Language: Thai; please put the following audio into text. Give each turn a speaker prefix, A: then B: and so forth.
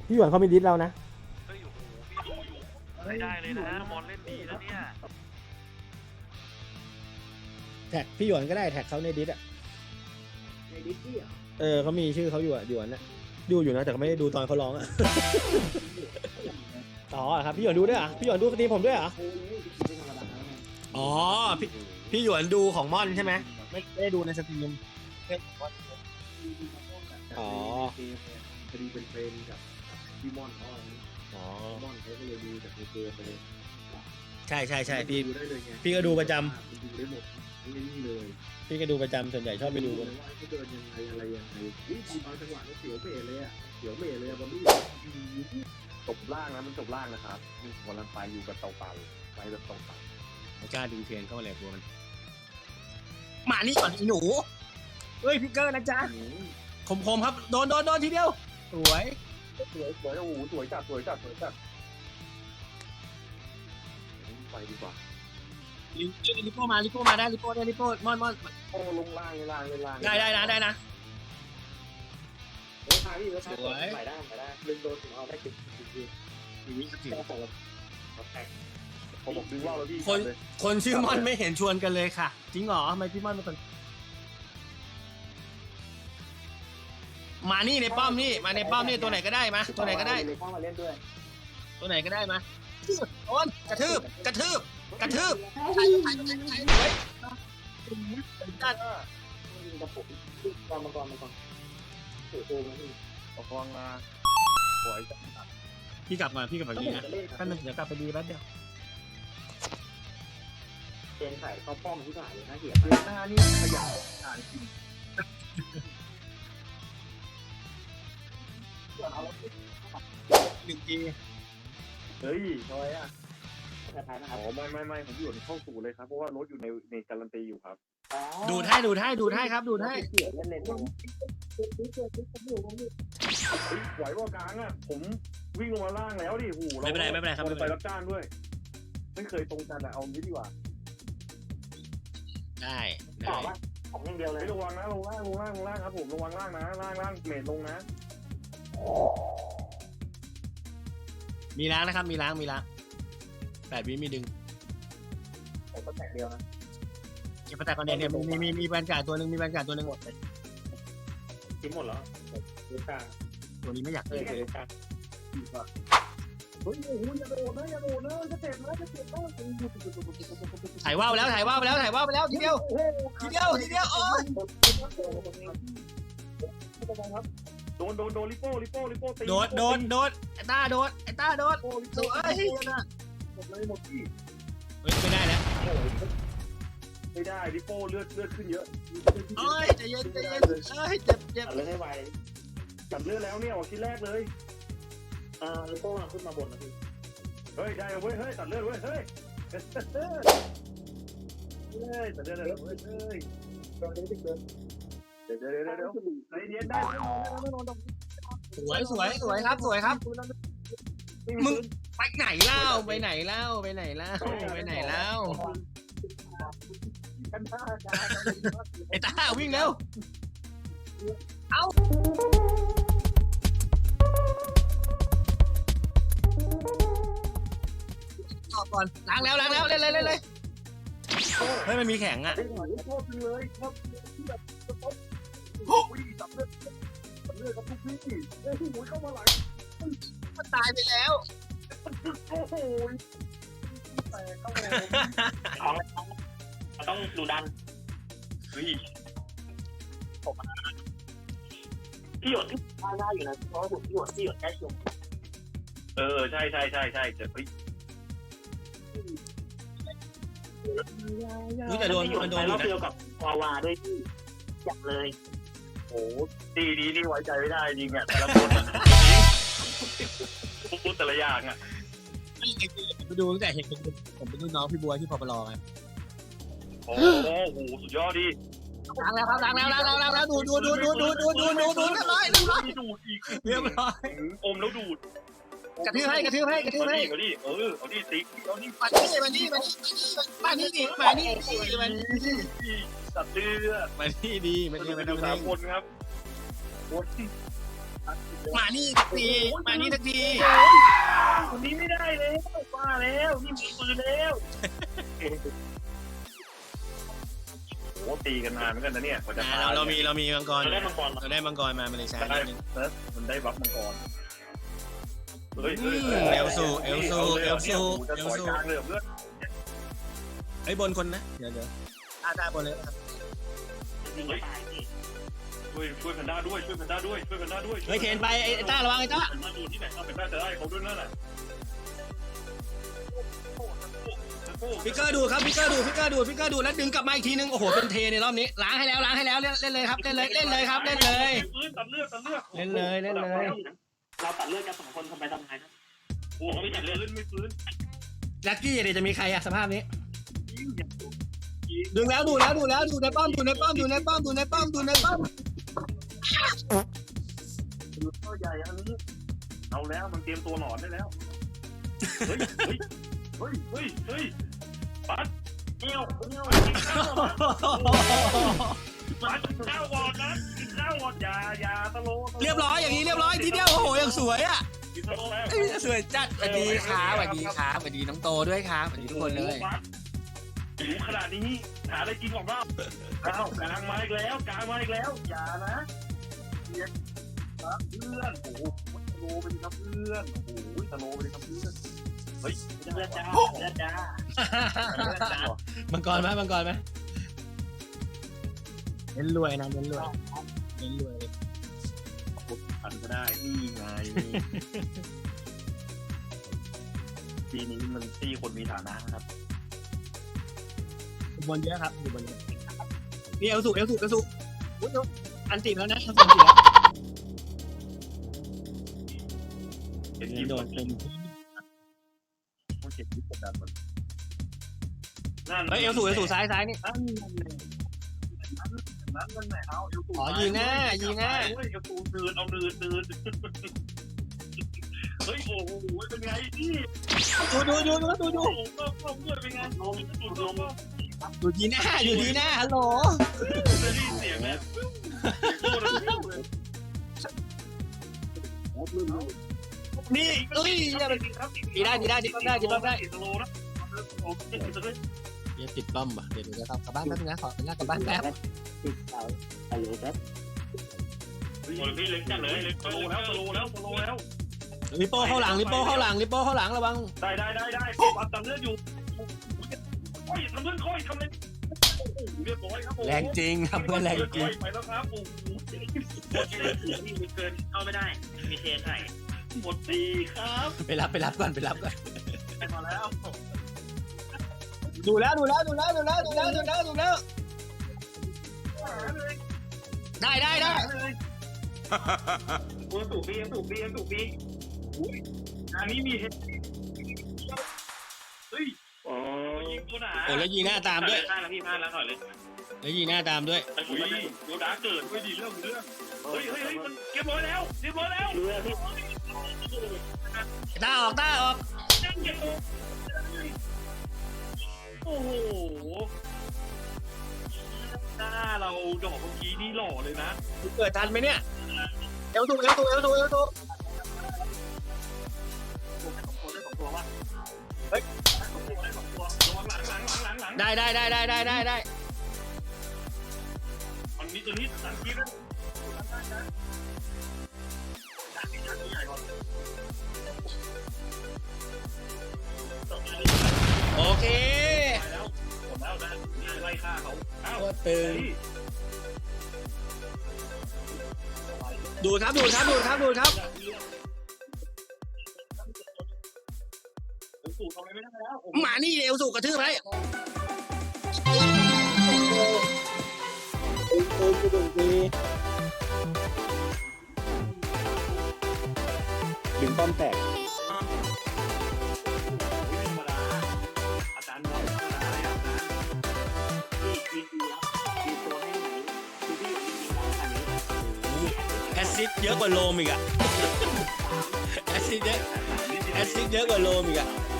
A: พี่หยวนเขามีดิสเรานะ
B: เฮ้ยโอ้โหพี่ดูอยู่ไม่ได้เลยนะมอนเล่นดีนะเนี่ย
A: แท็กพี่หยวนก็ได้แท็กเขาในดิสอ่ะ
C: ในดิสซี่เหรอ
A: เขามีชื่อเขาอยู่อ่ะหยวนนะดูอยู่นะแต่เขาไม่ได้ดูตอนเขาร้องอ่ะ อ๋อครับพี่หยวนดูด้วยอ่ะพี่หยวนดูสตรีมผมด้วยอ่ะ
C: โอ้ยไม่ธรรมดาแล้วไง
A: อ๋อพี่หยวนดูของม่อนใช่ไหมไม่ได้ดูในสตรีมอ๋อ
C: พอดีเป็นเฟรนกับพี่ม่อนเขาอะไรนี้
A: อ๋อ
C: ม่อนเขาก็เลยดูจากในเกมไปเลย
A: ใช่พี่
C: ดูได้เลยไง
A: พี่ก็ดูประจ
C: ดูได้หมดนี่เลย
A: พี่ก็ดูประจำส่วนใหญ่ชอบไปดู
C: เลยว่าเขาเดินยังไงอะไรยังไงบางจังหวะนี่เสียวเบะเลยอ่ะเสียวเบะเลยอ่ะบอลลี่
D: จบล่างนะมันจบล่างนะครับมีกำลังไปอยู่กับเตาเปล่าไปแบบเตาเปล่า
A: ไม่กล้าดึงเทียนเข้ามาเลยกลัวมันมานี่ก่อนอีหนูเฮ้ยพิกเกอร์นะจ๊ะคมครับโดนทีเดียวสวย
D: สวยโอ้โหสวยจัดไปดีกว่า
A: ลิโป้มาได้ลิโป้ม่อน
D: โอ้ลงล่างเลยล่าง
A: ได้นะ
C: เฮ้ยพาพี่ไปได้ดึงโดนถึงเอาได้10
D: ผมบอกดึงว่าวแล้วพี่
A: คนชื่อม่อนไม่เห็นชวนกันเลยค่ะจริงเหรอทำไมพี่ม่อนเป็นคนมานี่ในป้อมนี่มาในป้อมนี่ตัวไหนก็ได้มาตัวไหนก็ได้
C: เลยเข้ามาเล่นด้วย
A: ตัวไหนก็ได้มาโอนกระทืบใครไว้ด้าน
C: ยิงกระปุกมังกรโอ้โหมัน
D: ประคองมาสวยจัด
A: พี่กลับแบบนี้นะ
C: จะเล่น
A: แป๊บนึงเดี๋ยวกลับไปดีแป๊บเดียว
C: เป็นไข่ข้าวป้อมที่ผ่านเลยนะเหี้ย
D: หน้านี่ขยันอ่านจริง
A: 1 ที
D: เฮ้ยทำไมอ่ะ
C: สุดท้ายนะครับ
D: อ๋อไม่ผมอยู่ในเข้าสู่เลยครับเพราะว่ารถอยู่ในการันตีอยู่ครับ
A: ดูดให้ครับดูดให้
C: เสียเล่น
D: ไหวว่ากลางอ่ะผมวิ่งลงมาล่างแล้วดิหู
A: ไม่เป็นไรครับ
D: ไปรับจ้างด้วย ไม่เคยตรงกันอ่ะเอางี้ดีกว่า
A: ได้
C: ต่อว่าของอย่างเดียวเลย
D: ระวังนะลงล่างครับผมระวังล่างนะล่างเมทลงนะ
A: มีล้างนะครับมีล้าง8 วิมีดึง
C: ผมก็แตกเดียวนะ
A: เก็บประแตกก่อนเนี่ยมีแบนการ์ดตัวหนึ่งหมด
C: ทิ้งหมดแล้วดูกลาง
A: ตัวนี้ไม่อยาก
C: เอ
A: เล่
C: อน ดูกลาง
D: เฮ้ยโอ้โหอย่าโดดนะจะเจ็บนะ
A: ถ่ายว่าวไปแล้วทีเดียวโอ้ย
D: โดนลิโป้ตี
A: โดดไอ้ต้าโดดสวย
D: หมดที่
A: ไม่ได้แล้ว
D: ไม่ได้ลิโป้เลือดขึ้นเยอะ
A: เอ้ยใจเย็นเจ็บ
C: เลยให้ไว
D: ตัดเลือดแล้วเนี่ยออกชิ้นแรกเลย
C: ลูกโป่งขึ้นมาบนนะพี่
D: เฮ้ยได้เว้ยเฮ้ยตัดเลือดเว้ยเฮ้ยตัดเลือดเลยเว้ยเฮ้ย
C: ตอนนี้ติดเกิน
D: เดี๋ยวใจเย็นได้
A: สวยครับมึงไปไหนเล่าไอ้ต้าวิ่งเร็วเอาต่อก่อนล้างแล้วเล่นเลยเฮ้ยมันมีแข็งอ่ะ
D: ชอบเลยชอบที่แบบโอ้ยตัดเลือดกับทุกพี่เฮ้ยหูเข้ามาหลัง
A: มันตายไปแล้ว
D: โอ้โหแต่เข้ามา
C: ต้องดูดัน
D: เฮ้ย
C: พี่หยดได้อยู่นะเพราะว่าพี่หยดแค่ช่วง
D: ใช่แต่เฮ้ย
A: แต่โดนอยู่
C: รอบ
A: นะ
C: เดียวกับวาวาด้วยพี่จับเลย
D: โอ้ดีนี่ไว้ใจไม่ได้จริงอ่ะแต่ละคนพูดแต่ละอย่างอ่ะ
A: ไปดูตั้งแต่เห็นผมเป็นรุ่นน้องพี่บัวที่พอปลอไง
D: โอ้โหสุดยอดดิ
A: ล้างแล้วดูเรียบร้อย
D: ดูดอีก
A: เรียบร้อย
D: อมแล้วดูด
A: กระทืบให้
D: เอาดิเอาดิติ๊กเอาดิ
A: มานี่
D: ตัดเลือด
A: มานี่ดีมัน
D: ดู
A: ทำ
D: 3 คนครับ
A: มานี่สักทีมานี่สักที
B: คนนี้ไม่ได้แล้วบ้าแล้วนี่มีปืนแล้วโอ้ตีกันนานเหมือนกันนะเนี่ยกว่าจะตาย
A: เรามีมังกร
B: เราได้มังกร
A: เราได้มังกรมาเลยใช้
B: ได้
A: นิดนึง
B: มันได้บัฟมังกรเฮ้ย
A: เอลซูเอลซูเอลซู
B: จะ
A: เอล
B: ต่อย
A: ซู
B: กลางเรือเลือด
A: ไอ้บนคนนะเดี๋ยวตาบนเลยครับ
B: ช่วยแพนด้าด้วยช่วยแพนด้าด้วยช่วยแพนด้าด้วย
A: เฮ้ยเคนไปไอ้ต้าระวังไอ้ต้า
B: มาดูที่ไหนเอาแพนด้าจะได้เขาด้วยนั่นแหละ
A: พิกเกอร์ดูครับพิกเกอร์ดูแล้วดึงกลับมาอีกทีนึงโอ้โหเป็นเทในรอบนี้ล้างให้แล้วเล่นเลยครับเล่นเลยครับเล่นเลย
B: ปืนตัดเลือด
A: เล่นเลย
E: เราตัดเลือดกัน2 คนทำไมทำไงนะ
B: โอ้ไม่ตัดเลือดไม่ฟื้น
A: ลักกี้เดี๋ยวจะมีใครอะสภาพนี้ดูแล้วดูในป้อมดูในป้อม
B: ดูตัวใหญ่อันนี้เอาแล้วมันเตรียมตัวหนอนได้แล้วเฮ้ยปัดเงี้ยวปัดข้าววอดนะข้าววอดอย่าตะโล
A: เรียบร้อยอย่างนี้เรียบร้อยทีเดียวโอ้โหอย่างสวยอะสวยจัดสวัสดีครับสวัสดีน้องโตด้วยครับสวัสดีทุกคนเลย
B: หิวขนาดนี้หาอะไรกินของเราอ้าวกลางมาอีกแล้วอย่านะเพื่อนโอ้โหตะโลไปดิครับเพื่อนเฮ้ย
E: เลือดจ้า
A: มังกรไหมเน้นรวยนะเน้นรวย
B: ทันก็ได้นี่ไงปีนี้มันตีคนมีฐานะครับ
A: บนเยอะครับอยู่บนเยอะนี่เอลสุอันติแล้วนะ
B: เห็นยิ้ม
A: โดนเป็น
B: ผู้เจ็บที่กดดันมัน
A: เฮ้ยเอลสุซ้ายนี่
B: นั่นไหนเอาเอลสู
A: อ๋อยิงหน้า
B: เอลสูเดินเฮ้ยโอ้โหเป็นไงพี่
A: ดู
B: โอ้โหก็เพื่อนเป็นไงลม
A: อยู่ดีหน้าฮัลโหล
B: จะได้เสียงแล้ว
A: นี่เอ้ยดีได้สโลนะเดี๋ยวติดป้อมป่ะเดี๋ยวจะกลับบ้านแป๊บนึงนะขออนุญาตกลับบ้านแป๊บ
E: ติดเสาอะไรครับ
B: พี่เล็กจังเลยสโลแล้ว
A: ลิโป้เข้าหลังระวัง
B: ได้ปัดตัดเลือดอยู่โอ้ยทำเลือดค่อยทำเลยเรียบร้อยครับผม
A: แรงจริงครับเพื่อนแรงจริง
B: ไปแล้วครับโอ้โห
E: มีเกินเข้าไม่ได้มีเทใส่
B: หมดดีครับ
A: ไปรับก่อน
B: ไปมาแล้ว
A: ดูแล้วได้
B: ตัวสูบบีอุ้ยอันนี้มีเห็ดเฮ้ยยิงตัวหนา
A: โอ้แล้วยีหน้าตามด้วย
E: พลาดแล้วพี่พลาดแล้วถอยเลย
A: แล้วยีหน้าตามด้วย
B: อุ้ยโดนด่าเกิดไม่ดีเรื่องเฮ้ยมันเรียบร้อยแล้ว
E: เรือพี่
A: ต้าออก
B: โอ้โหหน้าเราดอกเมื่อกี้นี่หล่อเลยนะ
A: เกิดทันไหมเนี่ยเอลสุ
B: ได้2 ตัวว่ะเฮ้ยได้2 ตัวระวังหลัง
A: ได้
B: มันมีตัวนี้สังเกตแล้ว
A: โอเค
B: หมดแล้วนะไล่ฆ่าเขาอ้าว
A: โคตรตึงดูครับ
B: สูทำอะไรไม่ได้แล้ว
A: หมานี่เอลสุกระทืบไร
E: ดึงป้อมแตก
B: ธรรมดาอาจารย์บอกธรรมดาเลยครับนะ
E: พี่แล้วมีตัวให้ไหนคือพี่ยิงเราอันนี้
A: แอซิดเยอะกว่าโลมอีกอะแอซิดเยอะกว่าโลมอีกอะ
B: เ